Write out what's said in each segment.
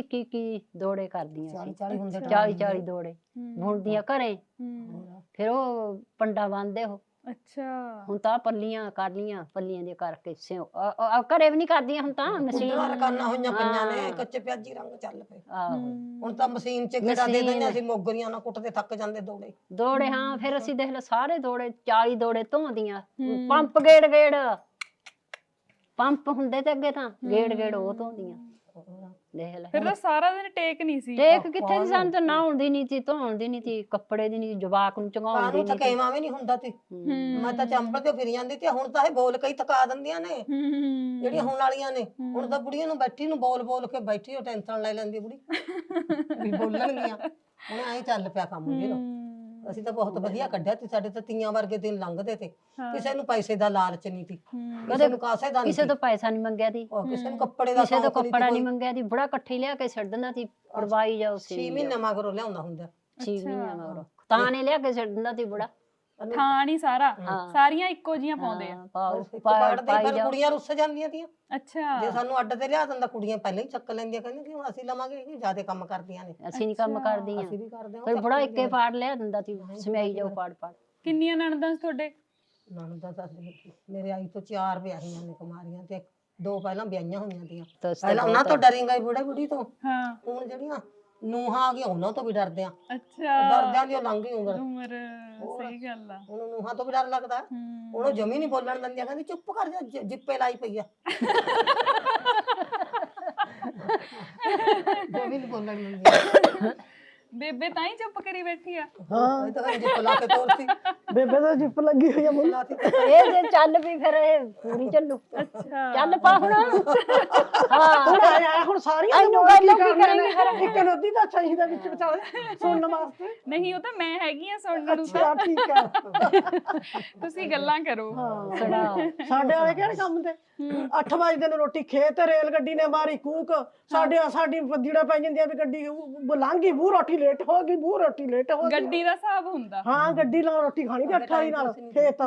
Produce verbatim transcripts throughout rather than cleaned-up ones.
ਕੀ ਕੀ ਦੌੜੇ ਕਰਦੀਆਂ ਚਾਲੀ ਸੀ ਚਾਲੀ ਹੁੰਦੇ ਚਾਲੀ ਚਾਲੀ ਦੌੜੇ ਬੁਣਦੀਆਂ ਘਰੇ ਹੂੰ ਫਿਰ ਉਹ ਪੰਡਾ ਬੰਨਦੇ ਉਹ ਅੱਛਾ ਹੁਣ ਤਾਂ ਪੱਲੀਆਂ ਕਰ ਲੀਆਂ ਪੱਲੀਆਂ ਦੇ ਕਰਕੇ ਸਿਉ ਅ- ਅ- ਘਰੇ ਵੀ ਨਹੀਂ ਕਰਦੀਆਂ ਹੁਣ ਤਾਂ ਮਸ਼ੀਨ ਕੁੰਡਲਾਂ ਰਕਾਨਾ ਹੋਈਆਂ ਪਈਆਂ ਨੇ ਹਾਂ। ਕੱਚੇ ਪਿਆਜੀ ਰੰਗ ਚੱਲ ਪਏ ਆਹੋ ਹੁਣ ਤਾਂ ਮਸ਼ੀਨ ਚ ਗੇੜਾ ਦੇ ਮਸ਼ੀਨ। ਦਿੰਦੇ ਅਸੀਂ ਮੋਗਰੀਆਂ ਨਾਲ ਕੁੱਟਦੇ ਥੱਕ ਜਾਂਦੇ ਦੌੜੇ ਦੌੜੇ ਹਾਂ ਫਿਰ ਅਸੀਂ ਦੇਖ ਲਓ ਸਾਰੇ ਦੌੜੇ ਚਾਲੀ ਦੌੜੇ ਧੋਂਦੀਆਂ ਹੂੰ। ਪੰਪ ਗੇੜ ਗੇੜ ਪੰਪ ਹੁੰਦੇ ਤੇ ਅੱਗੇ ਤਾਂ ਗੇੜ ਗੇੜ ਉਹ ਧੋਂਦੀਆਂ ਦੇਖ ਲੈ ਫਿਰ ਤਾਂ ਸਾਰਾ ਦਿਨ ਟੇਕ ਨਹੀਂ ਸੀ ਟੇਕ ਕਿੱਥੇ ਸੀ ਸਾਨੂੰ ਤਾਂ ਨਹਾਉਣ ਦੀ ਨਹੀਂ ਸੀ ਧੋਣ ਦੀ ਨਹੀਂ ਸੀ ਕੱਪੜੇ ਦੀ ਨਹੀਂ ਜਵਾਕ ਨੂੰ ਚੰਗਾਉਣ ਦੀ ਕਾਨੂੰ ਨਹੀਂ ਸੀ ਥਕੇਵਾ ਵੀ ਨਹੀਂ ਹੁੰਦਾ ਸੀ ਮੈਂ ਤਾਂ ਚੰਬਲ ਤੇ ਫਿਰ ਜਾਂਦੀ ਤੇ ਹੁਣ ਤਾਂ ਇਹ ਬੋਲ ਕੇ ਹੀ ਥਕਾ ਦਿੰਦੀਆਂ ਨੇ ਹੂੰ ਜਿਹੜੀਆਂ ਹੁਣ ਵਾਲੀਆਂ ਨੇ ਹੁਣ ਤਾਂ ਬੁੜੀਆਂ ਨੂੰ ਬੈਠੀ ਨੂੰ ਬੋਲ ਬੋਲ ਕੇ ਬੈਠੀ ਉਹ ਟੈਨਸ਼ਨ ਲੈ ਲੈਂਦੀ ਬੁੜੀ ਵੀ ਬੋਲਣਗੀਆਂ ਹੁਣ ਐਂ ਚੱਲ ਪਿਆ ਕੰਮ ਵੀਰ ਅਸੀਂ ਤਾਂ ਬਹੁਤ ਵਧੀਆ ਕੱਢਿਆ ਤੇ ਸਾਡੇ ਤਾਂ ਤੀਆਂ ਵਰਗੇ ਦਿਨ ਲੰਘਦੇ ਤੇ ਕਿਸੇ ਨੂੰ ਪੈਸੇ ਦਾ ਲਾਲਚ ਨਹੀਂ ਸੀ ਕਿਸੇ ਨੂੰ ਕਾਸੇ ਦਾ ਨਹੀਂ ਕਿਸੇ ਤੋਂ ਪੈਸਾ ਨਹੀਂ ਮੰਗਿਆ ਸੀ ਉਹ ਕਿਸੇ ਨੂੰ ਕੱਪੜੇ ਦਾ ਕਿਸੇ ਤੋਂ ਸ਼ੌਂਕ ਨਹੀਂ ਕੱਪੜਾ ਨਹੀਂ ਮੰਗਿਆ ਸੀ ਬੜਾ ਇਕੱਠੀ ਲਿਆ ਕੇ ਛੱਡ ਦਿੰਦਾ ਸੀ ਪੜਵਾਈ ਜਾਓ ਸੀ ਛੇ ਮਹੀਨੇ ਮਗਰੋਂ ਲਿਆਉਂਦਾ ਹੁੰਦਾ ਛੇ ਮਹੀਨਿਆਂ ਮਗਰੋਂ ਤਾਂ ਨੇ ਲਿਆ ਕੇ ਛੱਡ ਦਿੰਦਾ ਸੀ ਬੜਾ ਥਾਂ ਨਹੀਂ ਸਾਰਾ ਸਾਰੀਆਂ ਇੱਕੋ ਜੀਆਂ ਪਾਉਂਦੇ ਆ ਹਾਂ, ਪਾਓ ਇੱਕ ਪਾ- ਪਾੜਦੇ ਪਾਈ ਫਿਰ ਜਾਓ ਕੁੜੀਆਂ ਰੁੱਸ ਜਾਂਦੀਆਂ ਤੀਆਂ ਅੱਛਾ ਜੇ ਸਾਨੂੰ ਅੱਡ ਤੇ ਲਿਆ ਦਿੰਦਾ ਕੁੜੀਆਂ ਪਹਿਲਾਂ ਹੀ ਚੱਕ ਲੈਂਦੀਆਂ ਕਹਿੰਦੀਆਂ ਕਿ ਹੁਣ ਅਸੀਂ ਲਵਾਂਗੇ ਕਿ ਜਿਆਦਾ ਕੰਮ ਕਰਦੀਆਂ ਨੇ ਅਸੀਂ ਨਹੀਂ ਕੰਮ ਕਰਦੀਆਂ ਅਸੀਂ ਵੀ ਕਰਦੇ ਹਾਂ ਫਿਰ ਬੜਾ ਇੱਕੇ ਪਾੜ ਲਿਆ ਦਿੰਦਾ ਸੀ ਸਮਿਆਈ ਜਾਓ ਪਾੜ ਪਾੜ ਕਿੰਨੀਆਂ ਨਣਦਾਂ ਸੀ ਤੁਹਾਡੇ ਨਣਦਾ ਤਾਂ ਅਸੀਂ- ਮੇਰੇ ਆਈ ਤੋਂ ਚਾਰ ਵਿਆਹੀਆਂ ਨੇ ਕੁਮਾਰੀਆਂ ਤੇ ਦੋ ਪਹਿਲਾਂ ਵਿਆਹੀਆਂ ਹੋਈਆਂ ਤੀਆਂ ਤਾਂ ਉਸ ਤੋਂ ਪਹਿਲਾਂ ਉਹਨਾਂ ਤੋਂ ਡਰੀਂਗਾ ਹੀ ਬੁੜੇ ਬੁੜੀ ਤੋਂ ਹਾਂ ਹੁਣ ਜਿਹੜੀਆਂ ਨੂੰਹਾਂ ਆ ਗਈਆਂ ਉਹਨਾਂ ਤੋਂ ਵੀ ਡਰਦੇ ਆ ਅੱਛਾ ਡਰਦਿਆਂ ਦੀ ਉਹ ਲੰਘ ਗਈ ਉਮਰ ਉਮਰ ਸਹੀ ਗੱਲ ਆ ਉਹਨੂੰ ਨੂੰਹਾਂ ਤੋਂ ਵੀ ਡਰ ਲੱਗਦਾ ਹੂੰ। ਉਹਨੂੰ ਜਮੀ ਨਹੀਂ ਬੋਲਣ ਦਿੰਦੀਆਂ ਕਹਿੰਦੀ ਚੁੱਪ ਕਰ ਜਾ ਜ- ਜਿੱਪੇ ਲਾਈ ਪਈ ਆ ਜਮੀ ਨਹੀਂ ਬੋਲਣ ਦਿੰਦੀਆਂ ਬੇਬੇ ਤਾਂ ਹੀ ਚੁੱਪ ਕਰੀ ਬੈਠੀ ਆ ਹਾਂ ਇਹ ਤਾਂ ਕਹਿੰਦੀ ਜਿੱਪ ਲਾ ਕੇ ਤੋਰਤੀ ਬੇਬੇ ਦਾ ਜਿੱਪ ਲੱਗੀ ਹੋਈ ਆ ਮੁੰਡਾ ਲਾਤੀ ਇਹ ਜੇ ਚੱਲ ਵੀ ਫਿਰ ਇਹ ਪੂਰੀ ਚੱਲੂ ਅੱਛਾ ਚੱਲ ਪਾ ਹੁਣ ਹਾਂ ਹੁਣ ਆਇਆ ਹੁਣ ਸਾਰੀਆਂ ਇਹਨੂੰ ਨੂੰ ਗੱਲ ਕੀ ਕੀ ਕਰਨੀ ਕਰਾਂਗੇ ਇੱਕ ਨਦੀ ਦਾ ਚਾਹੀਦਾ ਵਿੱਚ ਵਿਚਾਲੇ ਸੁਣਨ ਵਾਸਤੇ ਨਹੀਂ ਉਹ ਤਾਂ ਮੈਂ ਹੈਗੀ ਆ ਸੁਣਨ ਨੂੰ ਤਾਂ ਅੱਛਾ ਠੀਕ ਆ ਤੁਸੀਂ ਗੱਲਾਂ ਕਰੋ ਸੁਣਾ ਸਾਡੇ ਵਾਲੇ ਕਿਹੜੇ ਕੰਮ ਤੇ ਅੱਠ ਵਜੇ ਨੂੰ ਰੋਟੀ ਖੇਤ ਰੇਲ ਗੱਡੀ ਨੇ ਮਾਰੀ ਕੂਕ ਸਾਡੇ ਸਾਡੀ ਜਿਹੜਾ ਪੈ ਜਾਂਦੀ ਆ ਵੀ ਗੱਡੀ ਬੁਲਾਂਗੀ ਬੂ ਰੋਟੀ ਲੇਟ ਹੋ ਗਈ ਬੂ ਰੋਟੀ ਲੇਟ ਹੋ ਗਈ ਗੱਡੀ ਦਾ ਹਿਸਾਬ ਹੁੰਦਾ ਹਾਂ ਗੱਡੀ ਨਾਲ ਰੋਟੀ ਖਾਣੀ ਤੇ ਅੱਠ ਵਾਲੀ ਨਾਲ ਖੇਤ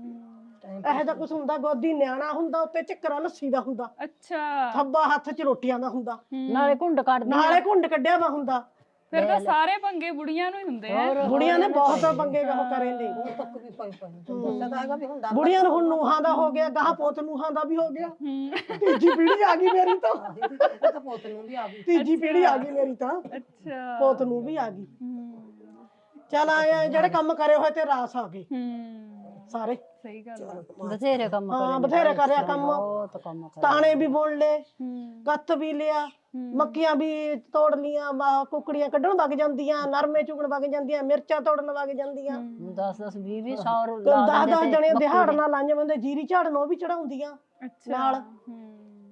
ਇਹੋ ਜਿਹਾ ਕੁਛ ਹੁੰਦਾ ਗੋਦੀ ਨਿਆਣਾ ਹੁੰਦਾ ਉੱਤੇ ਝੱਕਰਾ ਲੱਸੀ ਦਾ ਹੁੰਦਾ ਅੱਛਾ ਥੱਬਾ ਹੱਥ 'ਚ ਰੋਟੀਆਂ ਦਾ ਹੁੰਦਾ ਨਾਲੇ ਘੁੰਡ ਕੱਢਦੀ ਨਾਲੇ ਘੁੰਡ ਕੱਢਿਆ ਵਾ ਹੁੰਦਾ ਫਿਰ ਤਾਂ ਸਾਰੇ ਪੰਗੇ ਬੁੜੀਆਂ ਨੂੰ ਹੀ ਹੁੰਦੇ ਆ ਬੁੜੀਆਂ ਨੇ ਬਹੁਤ ਪੰਗੇ ਉਹ ਕਰੇ ਨੇ ਤੱਕ ਵੀ ਪਈ ਪਈ ਦੱਸਿਆ ਤਾਂ ਹੈਗਾ ਵੀ ਹੁਣ ਡਰ ਬੁੜੀਆਂ ਨੂੰ ਹੁਣ ਨੂਹਾਂ ਦਾ ਹੋ ਗਿਆ ਗਾਹ ਪੋਤ ਨੂਹਾਂ ਦਾ ਵੀ ਹੋ ਗਿਆ ਹੂੰ ਤੀਜੀ ਪੀੜ੍ਹੀ ਆ ਗਈ ਮੇਰੀ ਤਾਂ ਇਹ ਤਾਂ ਪੋਤ ਨੂੰ ਵੀ ਆ ਗਈ ਤੀਜੀ ਪੀੜ੍ਹੀ ਆ ਗਈ ਮੇਰੀ ਤਾਂ ਅੱਛਾ ਪੋਤ ਨੂੰ ਵੀ ਆ ਗਈ ਹੂੰ ਚੱਲ ਆਏ ਜਿਹੜੇ ਕੰਮ ਕਰੇ ਹੋਏ ਤੇ ਰਾਸ ਆ ਗਏ ਹੂੰ ਸਾਰੇ ਸਹੀ ਗੱਲ ਆ ਬਥੇਰੇ ਕੰਮ ਹਾਂ ਕਰੇ ਬਥੇਰੇ ਕਰਿਆ ਕੰਮ ਬਹੁਤ ਕੰਮ ਕਰੇ ਤਾਣੇ ਵੀ ਬੁਣ ਲਏ ਹੂੰ ਕੱਤ ਵੀ ਲਿਆ ਮੱਕੀਆਂ ਵੀ ਤੋੜ ਲੀਆਂ ਵਾ- ਕੁੱਕੜੀਆਂ ਕੱਢਣ ਵਗ ਜਾਂਦੀਆਂ ਨਰਮੇ ਚੁਗਣ ਵਗ ਜਾਂਦੀਆਂ ਮਿਰਚਾਂ ਤੋੜਨ ਵਗ ਜਾਂਦੀਆਂ ਦਸ ਦਸ ਵੀਹ ਵੀਹ ਸੌ ਦਸ ਦਸ ਜਣੇ ਦਿਹਾੜ ਨਾਲ ਲਾਈਆਂ ਬੰਦੇ ਜੀਰੀ ਝਾੜਨ ਉਹ ਵੀ ਚੜਾਉਂਦੀਆਂ ਅੱਛਾ ਨਾਲ। ਹੂੰ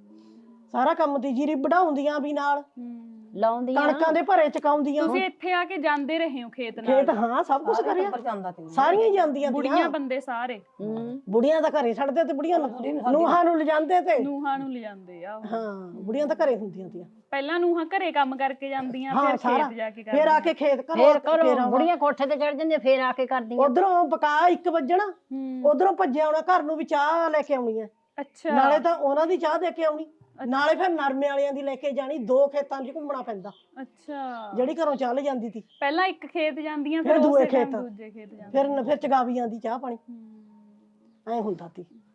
ਸਾਰਾ ਕੰਮ ਦੀ ਜੀਰੀ ਵਢਾਉਂਦੀਆਂ ਵੀ ਨਾਲ ਹੂੰ ਲਾਉਂਦੀਆਂ ਕਣਕਾਂ ਦੇ ਭਰੇ ਚਕਾਉਂਦੀਆਂ ਤੁਸੀਂ ਇੱਥੇ ਆ ਕੇ ਜਾਂਦੇ ਰਹੇ ਹੋ ਖੇਤ ਨਾਲ ਖੇਤ ਹਾਂ ਸਭ ਕੁਝ ਕਰਿਆ ਪਰ ਜਾਂਦਾ ਤੇ ਸਾਰੀਆਂ ਹੀ ਜਾਂਦੀਆਂ ਬੁੜੀਆਂ ਬੰਦੇ ਸਾਰੇ ਹੂੰ ਬੁੜੀਆਂ ਤਾਂ ਘਰੇ ਛੱਡਦੇ ਤੇ ਬੁੜੀਆਂ ਨੂੰ ਨੂਹਾਂ ਨੂੰ ਲਿਜਾਂਦੇ ਤੇ ਨੂਹਾਂ ਨੂੰ ਲਿਜਾਂਦੇ ਆ ਉਹ। ਹਾਂ ਬੁੜੀਆਂ ਤਾਂ ਘਰੇ ਹੁੰਦੀਆਂ ਤੀਆਂ ਪਹਿਲਾਂ ਨੂਹਾਂ ਘਰੇ ਕੰਮ ਕਰਕੇ ਜਾਂਦੀਆਂ ਹਾਂ ਫਿਰ ਸਾਰਾ ਖੇਤ ਜਾ ਕੇ ਫੇਰ ਆ ਕੇ ਖੇਤ ਫੇਰ ਕਰੋ ਕਰੋ ਬੁੜੀਆਂ ਕੋਠੇ ਤੇ ਚੜ ਜਾਂਦੀਆਂ ਫੇਰ ਆ ਕੇ ਕਰਦੀਆਂ ਉਧਰੋਂ ਪਕਾ ਇੱਕ ਵੱਜਣਾ ਹੂੰ ਉਧਰੋਂ ਭੱਜਿਆ ਆਉਣਾ ਘਰ ਨੂੰ ਵੀ ਚਾਹ ਲੈ ਕੇ ਆਉਣੀ ਹੈ ਅੱਛਾ ਨਾਲੇ ਤਾਂ ਉਹਨਾਂ ਦੀ ਚਾਹ ਦੇ ਕੇ ਆਉਣੀ ਨਾਲੇ ਫਿਰ ਨਰਮੇ ਵਾਲਿਆਂ ਦੀ ਲੈ ਕੇ ਜਾਣੀ ਦੋ ਖੇਤਾਂ 'ਚ ਘੁੰਮਣਾ ਪੈਂਦਾ ਅੱਛਾ ਜਿਹੜੀ ਘਰੋਂ ਚਾਹ ਲੈ ਜਾਂਦੀ ਸੀ ਪਹਿਲਾਂ ਇੱਕ ਖੇਤ ਜਾਂਦੀਆਂ ਫਿਰ ਫਿਰ ਦੂਏ ਉਸੇ ਟਾਈਮ ਖੇਤ। ਦੂਜੇ ਖੇਤ ਜਾਂਦੀਆਂ ਫਿਰ ਫਿਰ ਚਗਾਵੀ ਜਾਂਦੀ ਚਾਹ ਪਾਣੀ ਹੂੰ। ਐ ਹੁੰਦਾ ਸੀ